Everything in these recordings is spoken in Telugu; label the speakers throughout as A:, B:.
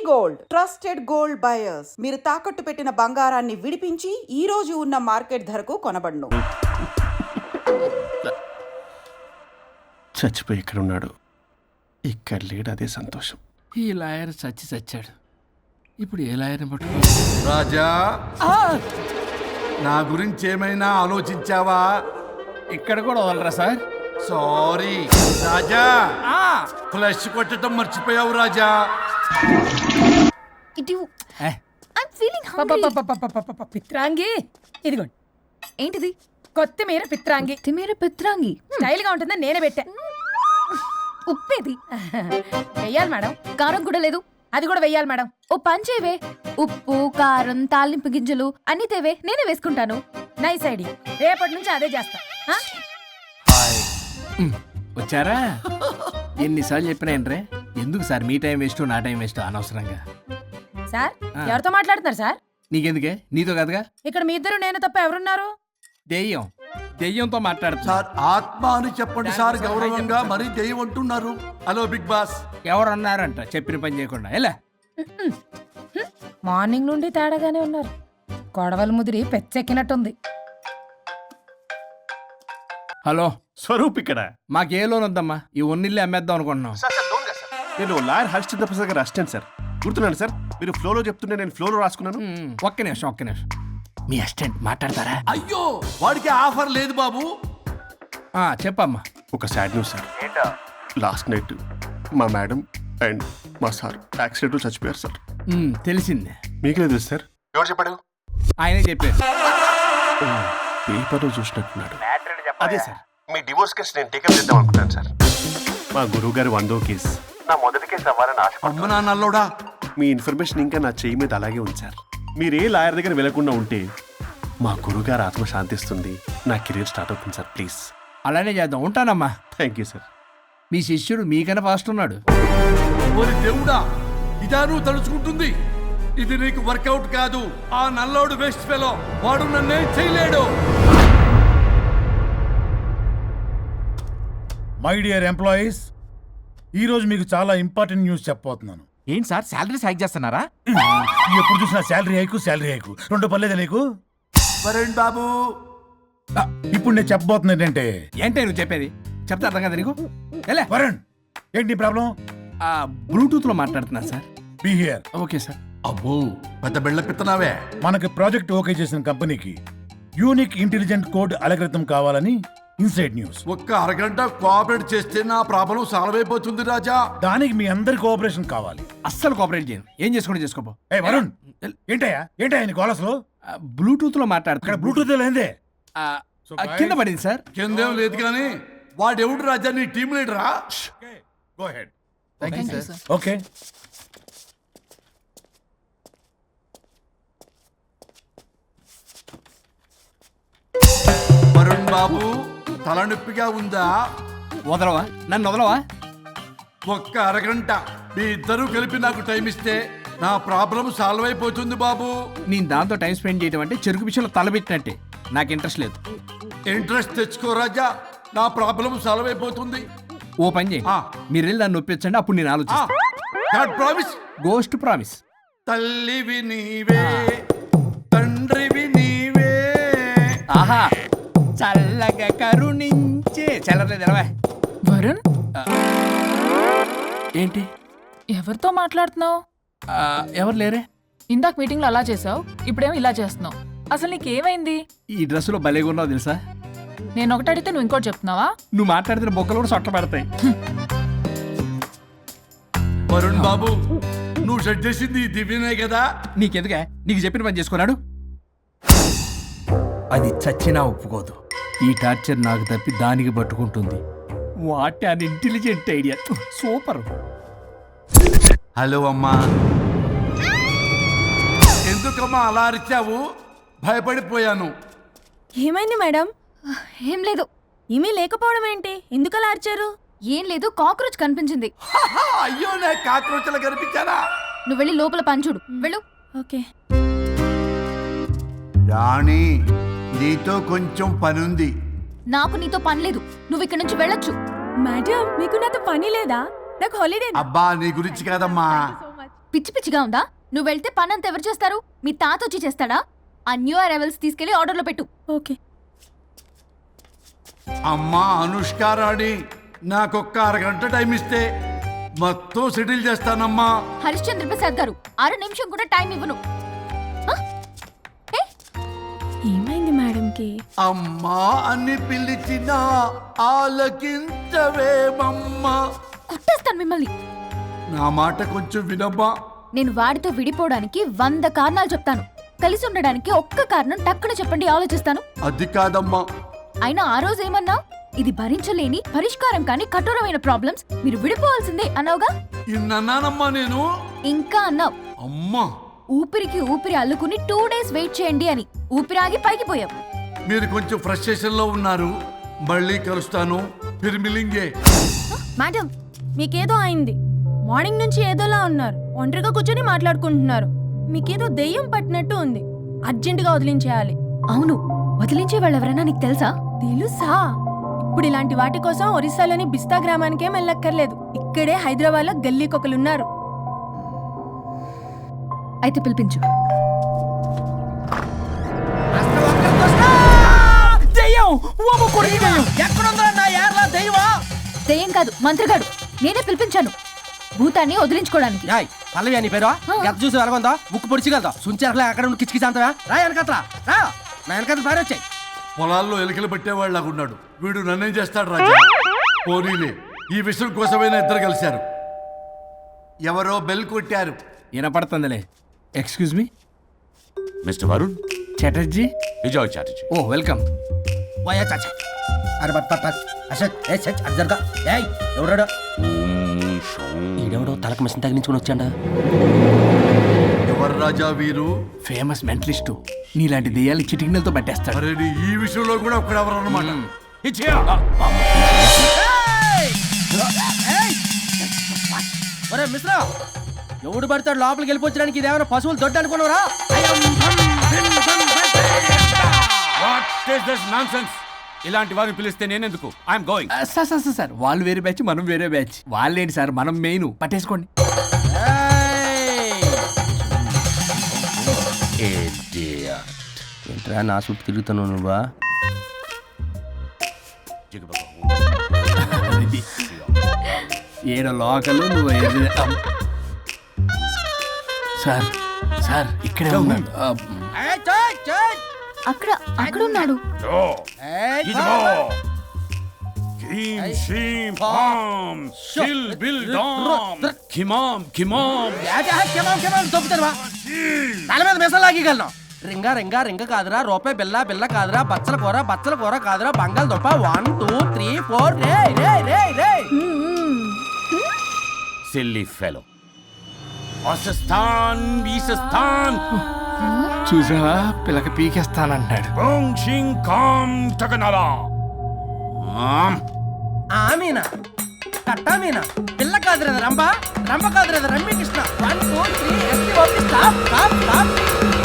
A: Gold trusted gold buyers. మీరు తాకట్టు పెట్టిన బంగారాన్ని విడిపించి ఈ రోజు ఉన్న మార్కెట్ ధరకు కొనబడును.
B: చచ్చిపోయి ఇక్కడ ఉన్నాడు, ఇక్కడ లేడు, అదే సంతోషం.
C: ఈ లాయర్ చచ్చాడు. ఇప్పుడు ఏ లాయర్ని పట్టుకో?
D: రాజా, నా గురించి ఏమైనా ఆలోచించావా?
C: ఇక్కడ కూడా వదలరా సార్?
D: సారీ రాజా, ఫ్లష్ కొట్టడం మర్చిపోయావు రాజా.
E: పిత్రాంగి ఇదిగోండి.
F: ఏంటిది?
E: కొత్తిమీర పిత్రాంగి.
F: పిత్రాంగి
E: స్టైల్ గా ఉంటుందని నేనే పెట్టా.
F: ఉప్పేది
E: వెయ్యాలి మేడం.
F: కారం కూడా లేదు.
E: అది కూడా వెయ్యాలి మేడం.
F: ఓ పంచేవే, ఉప్పు కారం తాలింపు గింజలు అన్ని తేవే, నేనే వేసుకుంటాను.
E: Nice idea. రేపటి నుంచి అదే చేస్తా.
C: వచ్చారా? ఎన్నిసార్లు చెప్పినాయండ్రే, ఎందుకు సార్ మీ టైం వేస్ట్ నా టైం వేస్ట్ అనవసరంగా?
E: సార్ ఎవరితో మాట్లాడుతున్నారు సార్?
C: నీకెందుకే, నీతో కదగా.
E: ఇక్కడ మీ ఇద్దరు నేను తప్ప ఎవరున్నారు?
C: దెయ్యంతో మాట్లాడుతా.
D: సార్ ఆత్మ అని చెప్పండి సార్, గౌరవంగా. మరీ దెయ్యం అంటున్నారు. Hello big boss.
C: ఎవరన్నారంట చెప్పిన పని చేయకుండా? ఎలా
E: మార్నింగ్ నుండి తేడాగానే ఉన్నారు. గొడవల ముదిరి పెచ్చెక్కినట్టుంది.
C: హలో
B: స్వరూప్ ఇక్కడ.
C: మాకే లోన్ వద్దమ్మా, ఈ ఒన్నిల్లు అమ్మేద్దాం అనుకుంటున్నాం.
B: నేను లాయర్ హరిశ్చంద్ర ప్రసాద్ గారు అసిస్టెంట్ సార్. గుర్తున్నాను సార్, మీరు ఫ్లోలో చెప్తుంటే నేను ఫ్లోలో రాసుకున్నాను.
C: ఒక్క నిమిషం. మీ అసిస్టెంట్ మాట్లాడతారా?
D: అయ్యో, వాడికి ఆఫర్ లేదు బాబు.
C: చెప్పమ్మా.
B: ఒక sad news sir. Last night మా మేడం అండ్ మా సార్ యాక్సిడెంట్ చచ్చిపోయారు సార్.
C: తెలిసిందే.
B: మీకే తెలుసు సార్? ఎవరు చెప్పాడు?
C: ఆయనే చెప్పారు.
B: పేపర్లో చూసినట్టున్నాడు.
G: అదే సార్, మీ డివోర్స్ కేసు నేను టేకప్ చేద్దాం అనుకుంటాను సార్.
B: మా గురువు గారి 100వ కేసు
G: నా మొదటి కేసు అవ్వాలని ఆశ.
D: అమ్మ నా నల్లోడా,
B: మీ ఇన్ఫర్మేషన్ ఇంకా నా చెయ్యి మీద అలాగే ఉంది సార్. మీరు ఏ లాయర్ దగ్గర వెళ్లకుండా ఉంటే మా గురువు గారు ఆత్మ శాంతిస్తుంది, నా కెరీర్ స్టార్ట్ అవుతుంది సార్. ప్లీజ్
C: అలానే చేద్దాం. ఉంటానమ్మా.
B: Thank you sir.
C: మీ శిష్యుడు మీకన్నా ఫాస్ట్ ఉన్నాడు.
D: ఓరి దేవుడా, ఇదా నువ్వు తలుచుకుంటుంది? ఇది నీకు వర్కౌట్ కాదు. ఆ నల్లోడు వేస్ట్ ఫెలో, వాడు నన్నేం చేయలేడు.
H: మై డియర్ ఎంప్లాయీస్, ఈరోజు మీకు చాలా ఇంపార్టెంట్ న్యూస్ చెప్పబోతున్నాను.
I: ఏంటి సార్, శాలరీస్ హైక్ చేస్తున్నారా?
H: ఎప్పుడు చూసినా శాలరీ హైకు రెండు పర్లేదా నీకు?
D: వరుణ్ బాబు,
H: ఇప్పుడు నేను చెప్పబోతున్నా ఏంటంటే.
C: ఏంటే నువ్వు చెప్పేది? చెప్తా అర్థం కదా నీకు? ఎలా
H: వరుణ్, ఏంటి నీ ప్రాబ్లం?
C: బ్లూటూత్ లో మాట్లాడుతున్నా sir.
H: Be here.
C: Okay sir.
D: అబ్బో, పెద్ద బిళ్ళ పిత్తనావే.
H: మనకి ప్రాజెక్ట్ ఓకే చేసిన కంపెనీకి యూనిక్ ఇంటెలిజెంట్ కోడ్ అలకృతం కావాలని ఇన్సైడ్ న్యూస్.
D: ఒక్క అరగంట కోఆపరేట్ చేస్తే నా ప్రాబ్లం సాల్వ్ అయిపోతుంది రాజా.
H: దానికి మీ అందరి కోఆపరేషన్ కావాలి.
C: అస్సలు కోఆపరేట్ చేయను. ఏం చేసుకోండి చేసుకోపో.
H: ఏ వరుణ్, ఏంటయ్యా నీ కాలర్స్లో?
C: బ్లూటూత్ లో మాట్లాడుతున్నా.
H: ఇక్కడ బ్లూటూత్ లేదే.
C: కింద పడింది సార్.
D: కిందేం లేదు కానీ వాడెవడు రాజా, నీ టీం లీడరా?
H: Go head.
I: Thank you sir.
H: Okay.
D: Varun బాబు, తలనొప్పిగా ఉందా?
C: వదలవా? నన్ను వదలవా?
D: ఒక్క అరగంట మీ ఇద్దరూ కలిపి నాకు టైం ఇస్తే నా ప్రాబ్లం సాల్వ్ అయిపోతుంది బాబు.
C: నేను దాంతో టైం స్పెండ్ చేయడం అంటే చెరుకు విషయంలో తలబెట్టినట్టే. నాకు ఇంట్రెస్ట్ లేదు.
D: ఇంట్రెస్ట్ తెచ్చుకో రాజా, నా ప్రాబ్లం సాల్వ్ అయిపోతుంది.
C: ఓ పని చేయి, మీరు వెళ్ళి నన్ను ఒప్పించండి, అప్పుడు నేను ఆలోచిస్తాను.
D: ప్రామిస్.
C: Ghost promise.
D: తల్లివి నీవే, తండ్రివి నీవే.
C: ఆహా, చల్లగా కరుణించే. చల్లలేదు ఎలవా.
E: వరుణ్,
C: ఏంటి?
E: ఎవరితో మాట్లాడుతున్నావు?
C: ఎవరు లేరే.
E: ఇందాక మీటింగ్ లో అలా చేసావు, ఇప్పుడేమో ఇలా చేస్తున్నావు. అసలు నీకేమైంది?
C: ఈ డ్రెస్సులో భలేగా ఉన్నావు తెలుసా?
E: నేను ఒకటి అడిగితే నువ్వు ఇంకోటి చెప్తున్నావా?
C: నువ్వు మాట్లాడితే బొక్కలు కూడా సొట్ట పడతాయి.
D: వరుణ్ బాబు, నువ్వు సెట్ చేసింది ఈ దివ్యనే కదా?
C: నీకెందుకే? నీకు చెప్పిన పని చేసుకున్నాడు. అది చచ్చినా ఒప్పుకోదు. ఈ టార్చర్ నాకు తప్పి దానికి పట్టుకుంటుంది. What an intelligent idea. Super.
D: Hello అమ్మా. ఎందుకమ్మా అలా అరిచావు? భయపడిపోయాను.
F: ఏమైంది మేడం? ఏం లేదు. ఏమీ లేకపోవడం ఏంటి? ఎందుకు అలా అరిచారు? ఏం లేదు, కాక్రోచ్ కనిపించింది.
D: అయ్యో, నేను కాక్రోచ్లు కనిపించానా?
F: నువ్వు వెళ్ళి లోపల పని చూడు. వెళ్ళు. ఓకే.
D: రాణి, నీతో కొంచెం పనుంది.
F: నాకు నీతో పని లేదు. నువ్వు ఇక్కడ నుంచి వెళ్ళొచ్చు. మేడం, మీకు నాతో పని లేదా? నాకు హాలిడే.
D: అబ్బా, నీ గురించి కాదమ్మా,
F: పిచ్చి పిచ్చిగా ఉందా? నువ్వు వెళ్తే పనంతా ఎవరు చేస్తారు? మీ తాత వచ్చి చేస్తాడా? ఆ న్యూ అరైవల్స్ తీసుకెళ్లి ఆర్డర్లో పెట్టు. ఓకే.
D: అమ్మా అనుష్కారాణి, నాకొక్క అరగంట టైం ఇస్తే మొత్తం సెటిల్ చేస్తానమ్మా.
F: హరిశ్చంద్ర ప్రసాద్ గారు, 6 నిమిషం కూడా టైం ఇవ్వను. ఏమైంది మేడంకి?
D: అమ్మా అని పిలిచినా ఆలకించవేమమ్మా.
F: కొట్టేస్తాను మిమ్మల్ని.
D: నా మాట కొంచెం వినమ్మా.
F: నేను వాడితో విడిపోవడానికి 100 కారణాలు చెప్తాను. కలిసి ఉండడానికి ఒక్క కారణం టక్కున చెప్పండి, ఆలోచిస్తాను.
D: అది కాదమ్మా.
F: అయినా ఆ రోజు ఏమన్నా? ఇది భరించలేని, పరిష్కారం కాని కఠోరమైన ప్రాబ్లమ్స్, మీరు విడిపోవాల్సిందే అన్నావుగా.
D: ఇన్నానమ్మా నేను.
F: ఇంకా అన్నావు.
D: అమ్మా,
F: ఊపిరికి ఊపిరి అల్లుకుని 2 days వెయిట్ చేయండి అని. ఊపిరాగి పైకి పోయావు.
D: మీరు కొంచెం ఫ్రస్ట్రేషన్ లో ఉన్నారు. మళ్ళీ కలుస్తాను. ఫిర్మిలింగే.
F: మేడం, మీకేదో అయింది. మార్నింగ్ నుంచి ఏదోలా ఉన్నారు. ఒంటరిగా కూర్చొని మాట్లాడుకుంటున్నారు. మీకేదో దెయ్యం పట్టినట్టు ఉంది. అర్జెంటుగా వదిలించేయాలి. అవును, వదిలించే వాళ్ళు ఎవరైనా నీకు తెలుసా? తెలుసా? ఇప్పుడు ఇలాంటి వాటి కోసం ఒరిస్సాలోని బిస్తా గ్రామానికేం వెళ్ళక్కర్లేదు. ఇక్కడే హైదరాబాద్ లో గల్లీకొకలున్నారు. అయితే పిలిపించు. దెయ్యం కాదు, మంత్రగాడు. నేనే పిలిపించాను భూతాన్ని వదిలించుకోవడానికి.
I: పల్లవి అని పేరు గత చూసి వెలగొందా ముక్కు పొడిచిగలదా సుంచరలే అక్కడ కిచకిచ అంతవా రా వెనకట్రా రా నా వెనకట్ల పారి వచ్చాయి.
D: పొలాల్లో ఎలుకలు పట్టేవాళ్ళగా ఉన్నాడు వీడు. నన్నేం చేస్తాడు రాజా? పోనీలే, ఈ విషయం కోసమైనా ఇద్దరు కలిశారు. ఎవరో బెల్ కొట్టారు.
C: వినపడుతుందిలే. Excuse me,
G: mister Varun,
C: Chatterjee.
G: Vijay Chatterjee.
C: ఓ వెల్కమ్.
I: వయా చాచా అరే బట్ పట్ అసత్ ఏ సచ్ అర్జర్గా ఏయ్ ఎవరడా ఈడెవడో తలకు మిషన్ తగిలించుకుని వచ్చాడా?
D: ఎవరు రాజా వీరు?
C: Famous mentalist. నీలాంటి దెయ్యాలు చిటికినలతో పట్టేస్తాడు.
D: అరే ఈ విషయంలో కూడా ఒకడెవరు అన్నమాట.
I: ఒరే మిశ్రా, ఎవడు పడతాడు లోపలికి వెళ్ళిపోవడానికి? ఇదేమైనా పశువులు దొడ్డు అనుకున్నారా?
J: ఇలాంటి వారిని పిలిస్తే నేనెందుకు? I'm going.
C: సార్ వాళ్ళు వేరే బ్యాచ్, మనం వేరే బ్యాచ్. వాళ్ళేంటి సార్, మనం మెయిన్. పట్టేసుకోండి.
I: ఏంట్రా నా చుట్టూ తిరుగుతున్నావు నువ్వా?
C: ఏడో లోకలు నువ్వు సార్. సార్ ఇక్కడే ఉన్నాడు.
F: అక్కడ ఉన్నాడు.
I: తల మీద మెసలాగలను. రింగ రింగ రింగ కాదురా, రూపాయి బిల్ల బిల్ల కాదురా, బచ్చల కూర కాదురా, బంగాళదుంప 1 2 3 4 రే రే రే రే.
J: Silly fellow. అసస్థాన్ వీసస్థాన్
C: చూసావా, పిల్లకి పీకేస్తానంటాడు.
I: ఆమీనా కట్టామీనా పిల్ల కాదురా రంభ, రంభ కాదురా Rammi Krishna. 1 2 3 ST OP stop stop stop.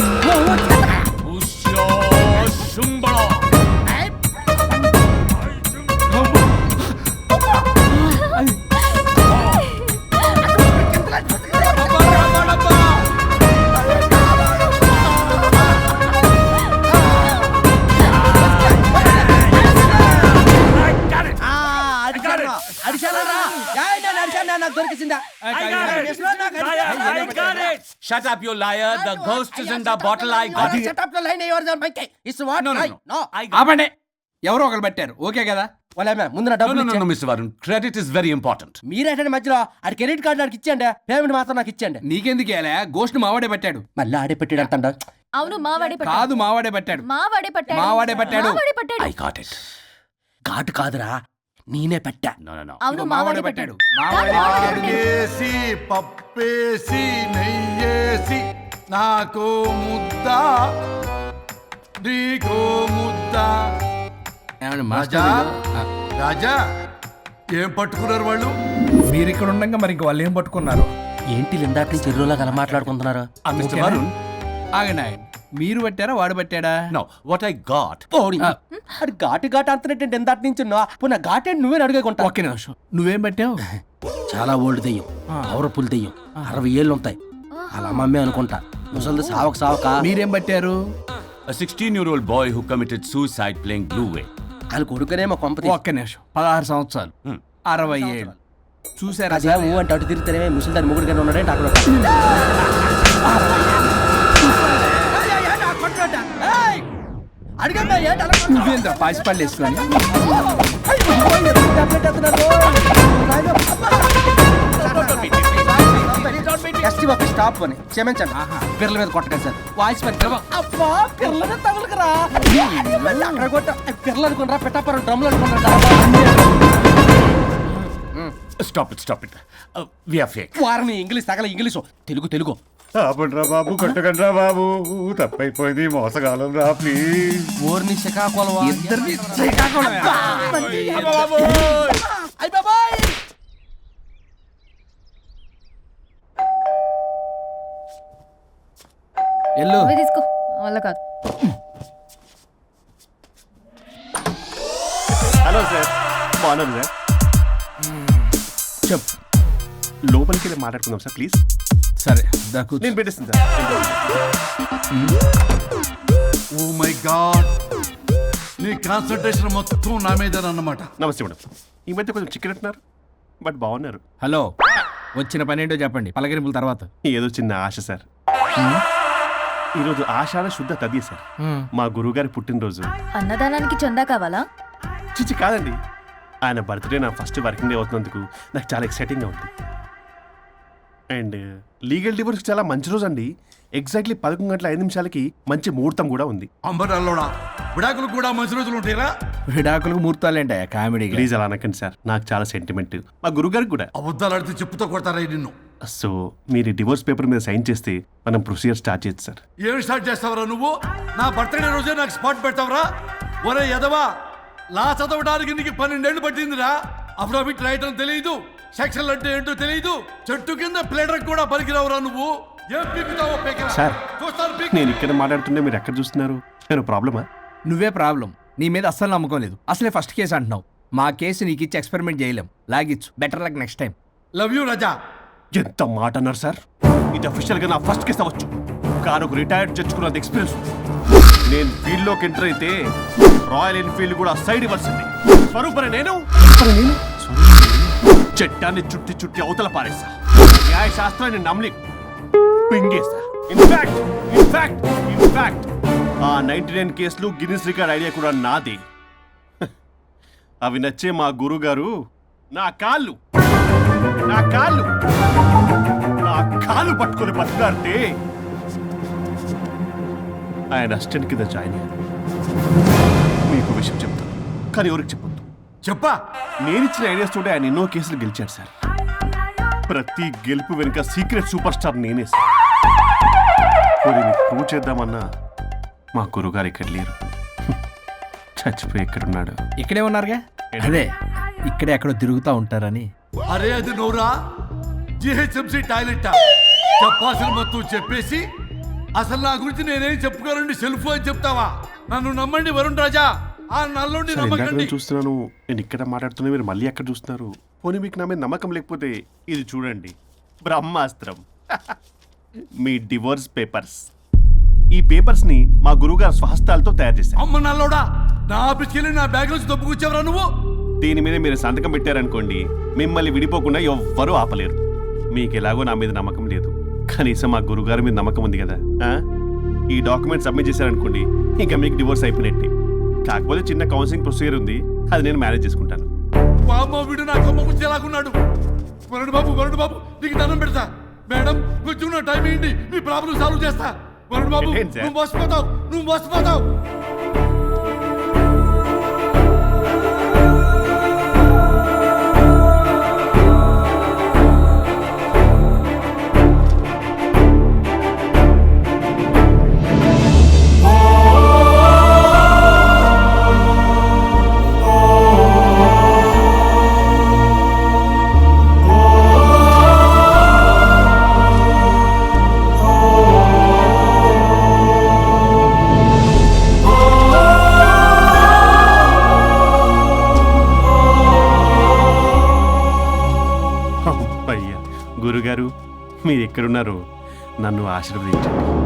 J: Shut up, you liar. The ghost is in the bottle. I got it.
I: Shut up the line. Yours are my case. It's what?
J: No.
C: ఆపండి. ఎవరో ఒకరు పెట్టారు. ఓకే కదా?
I: ముందు నా డబ్బులు
J: No, Mr. Varun. Credit is very important.
I: మీరేటండి మధ్యలో ఆడి క్రెడిట్ కార్డు నాకు ఇచ్చేయండి, పేమెంట్ మాత్రం నాకు ఇచ్చేయండి.
C: నీకెందుకు వేయాలా? గోష్ట్ మావాడే పట్టాడు.
I: మళ్ళీ ఆడే పెట్టాడు అంటాడు.
F: అవును, మావాడే పట్టాడు.
C: కాదు, మావాడే పట్టాడు.
F: మావాడే పట్టాడు.
C: మావాడే పట్టాడు.
J: I got it.
I: ఘాటు కాదురా, నేనే పెట్టా.
J: No.
F: అవును,
C: మావాడే పట్టాడు. మావాడే పట్టాడు.
D: ఆకేసి పప్పేసి నెయ్యేసి నాకు ముద్ద నీకో ముద్ద.
C: ఏమండి
D: రాజా,
C: మాస్టర్?
D: రాజా ఏం పట్టుకున్నారు వాళ్ళు?
C: మీరు ఇక్కడ ఉండగా మరి ఇంక వాళ్ళు ఏం పట్టుకున్నారు?
I: ఏంటి లిందాటి నుంచి చెరువులో కల మాట్లాడుకుంటున్నారు?
J: Mr. Varun.
C: ఆగండి. మీరు పట్టారా, వాడు పట్టాడా?
J: No, what I got.
I: అది ఘాటు ఘాటు అంతనేటండి ఎందాటి నుంచి నా ఘాటేంటి నువ్వే అడుగుకుంటా.
C: ఒక్క నిమిషం. నువ్వేం పట్టావు?
I: చాలా ఓల్డ్ దెయ్యం, పవర్ఫుల్ దెయ్యం, 60 ఏళ్ళు ఉంటాయి. అలా మమ్మీ అనుకుంటా ముసలిది సావక
C: మీరేం పట్టారు?
J: A 16-year-old boy who committed suicide playing Blue Whale.
I: వాళ్ళ కొడుకునేమో కొంపతి
C: ఒక్క నిమిషం. 16 సంవత్సరాలు, 60 ఏళ్ళు. చూసారా
I: అదే
C: సార్?
I: అంటే అటు తిరిగితేనే ముసలి దాని ముగ్గురు ఉన్నాడంటే అక్కడ
C: నువ్వేంద్ర పాసిపళ్ళు వేసుకొని
I: స్టాప్ అని క్షమించండి పిల్లల మీద కొట్టగా సార్ వాయిస్ అబ్బా పిల్లల మీద తగులుకురా అక్కడ కొట్ట పిల్లలు అనుకున్నారా పెట్టాపరం డ్రమ్లు అనుకున్నారా
J: Stop it. We are fake.
I: వారిని ఇంగ్లీష్ తగల ఇంగ్లీషు తెలుగు
B: ఆపండ్రా బాబు, కొట్టకండ్రా బాబు, తప్పైపోయింది, మోసగాలం రా ప్లీజ్.
I: ఊరిని శ్రీకాకుళం
C: ఇద్దరిని శ్రీకాకుళమే. ఎల్లు
F: తీసుకో వల్ల కాదు.
B: హలో సార్, బాగున్నాను సార్.
C: చెప్పు.
B: లోపలికి వెళ్ళి మాట్లాడుకుందాం సార్ ప్లీజ్.
C: సరే దాకు
B: నేను పెట్టేస్తాను సార్.
D: ఓ మై గాడ్, నీ కాన్సన్ట్రేషన్ మొత్తం నా మీదనన్నమాట.
B: నమస్తే మేడం. ఈ మధ్య కొంచెం చిక్కినట్టున్నారు, బట్ బాగున్నారు.
C: హలో, వచ్చిన పని ఏంటో చెప్పండి, పలకరింపుల తర్వాత.
B: ఏదో చిన్న ఆశ సార్. ఈరోజు ఆషాఢ శుద్ధ తది సార్, మా గురువుగారి పుట్టినరోజు.
F: అన్నదానానికి చందా కావాలా?
B: చిచ్చి కాదండి, ఆయన బర్త్డే నా ఫస్ట్ వర్కింగ్ డే అవుతున్నందుకు నాకు చాలా ఎక్సైటింగ్గా ఉంది. అండ్ లీగల్ డివోర్స్ చాలా మంచి రోజు అండి. ఎగ్జాక్ట్లీ 11:05 మంచి ముహూర్తం కూడా ఉంది.
D: అంబరాల్లోడా విడాకులు కూడా మంచి రోజులు ఉంటాయిరా?
C: విడాకులకు ముహూర్తాలేంటా కామెడీ?
B: ప్లీజ్ అలా అనకండి సార్, నాకు చాలా సెంటిమెంట్, మా గురుగారికి కూడా.
D: అబద్ధాలు ఆడితే చెప్పుతో కొడతారా నిన్ను?
B: సో మీరు డివోర్స్ పేపర్ మీద సైన్ చేస్తే మనం ప్రొసీజర్ స్టార్ట్ చేయొచ్చు సార్.
D: ఏమి స్టార్ట్ చేస్తావరా నువ్వు? నా బర్త్డే రోజే నాకు స్పాట్ పెడతావరా? ఒరే ఎదవా, లా చదవడానికి నీకు 12 ఏళ్ళు పట్టిందిరా. అఫిడవిట్ రాయటం తెలియదు, సెక్షన్ అంటే ఏంటో తెలియదు, చెట్టు కింద ప్లేడర్ కూడా పలికిరావురా నువ్వు. ఏం పీకుతావో పీకరా.
B: సార్,
D: చూస్తాను పీకు.
B: నేను ఇక్కడ మాట్లాడుతుంటే మీరు ఎక్కడ చూస్తున్నారు? నేను ప్రాబ్లమా?
C: నువ్వే ప్రాబ్లం. నీ మీద అస్సలు నమ్మకం లేదు. అసలే ఫస్ట్ కేసు అంటున్నావు. మా కేసు నీకు ఇచ్చి ఎక్స్పెరిమెంట్ చేయలేం. లాగిచ్చు. Better luck next time.
D: Love you Raja.
B: ఎంత మాట అన్నారు సార్? ఇది అఫీషియల్ గా నా ఫస్ట్ కేసు అవ్వచ్చు, కానీ ఒక రిటైర్డ్ జడ్జ్ కున్నది ఎక్స్పీరియన్స్. నేను ఫీల్డ్ లోకి ఎంటర్ అయితే రాయల్ ఎన్ఫీల్డ్ కూడా సైడ్ ఇవ్వాల్సింది. స్వరూపరే నేను చట్టాన్ని చుట్టి అవతల పారేస్తా. న్యాయ శాస్త్రాన్ని నమ్మి పింగేస్తా. ఇన్ఫాక్ట్ ఆ 99 కేసులు గిన్నిస్ రికార్డ్ ఐడియా కూడా నాదే. అవి నచ్చే మా గురువు గారు నా కాళ్ళు పట్టుకొని బతికాడితే ఆయన అసిస్టెంట్ కింద జాయిన్ అయ్యారు. మీకు విషయం చెప్తాను, కానీ ఎవరికి చెప్పొద్దు.
D: చెప్పా.
B: నేనిచ్చిన ఐడియాస్ తోటి ఆయన ఎన్నో కేసులు గెలిచాడు సార్. ప్రతి గెలుపు వెనుక సీక్రెట్ సూపర్ స్టార్ నేనే సార్. ప్రూవ్ చేద్దామన్నా మా గురుగారు ఇక్కడ లేరు, చచ్చిపోయి ఎక్కడున్నాడు.
C: ఇక్కడే ఉన్నారుగా. అదే ఇక్కడే ఎక్కడో తిరుగుతూ ఉంటారని.
D: అరే అది నోరా, జిహెచ్ఎంసీ టాయిలెట్. చెప్పాల్సిన మొత్తం చెప్పేసి అసలు నా గురించి నేనేం చెప్పుకోరండి సెల్ఫ్ అని చెప్తావా? నన్ను నమ్మండి వరుణ్ రాజా, ఆ నల్లుండి
B: సార్, ఇందాక
D: నమ్మకండి.
B: నేను చూస్తున్నాను, నేను ఇక్కడ మాట్లాడుతున్నా, మీరు మళ్ళీ ఎక్కడ చూస్తున్నారు? పోనీ మీకు నా మీద నమ్మకం లేకపోతే ఇది చూడండి, బ్రహ్మాస్త్రం. మీ డివోర్స్ పేపర్స్. ఈ పేపర్స్ ని మా గురువుగారు స్వహస్తాలతో తయారు చేశారు.
D: అమ్మ నల్లోడా, నా ఆఫీస్కి వెళ్ళి నా బ్యాగ్ నుంచి దొబ్బుకొచ్చావరా నువ్వు?
B: దీని మీద మీరు సంతకం పెట్టారనుకోండి, మిమ్మల్ని విడిపోకుండా ఎవ్వరూ ఆపలేరు. మీకు ఎలాగో నా మీద నమ్మకం లేదు, కనీసం మా గురుగారి మీద నమ్మకం ఉంది కదా. ఈ డాక్యుమెంట్ సబ్మిట్ చేశారనుకోండి, ఇంకా మీకు డివోర్స్ అయిపోయినట్టే. కాకపోతే చిన్న కౌన్సిలింగ్ ప్రొసీజర్ ఉంది, అది నేను మేనేజ్ చేసుకుంటాను.
D: వామ్మో, వీడు నా కొమ్మ గురించి ఎలాగున్నాడు. వరుణ్ బాబు నీకు దండం పెడతా. మేడం కొంచెం నా టైం ఏంటి, మీ ప్రాబ్లం సాల్వ్ చేస్తా. వరుణ్ బాబు,
B: ఏంటి సార్?
D: నువ్వు మోసపోతావు.
B: గురుగారు, మీరు ఎక్కడున్నారు? నన్ను ఆశీర్వదించండి.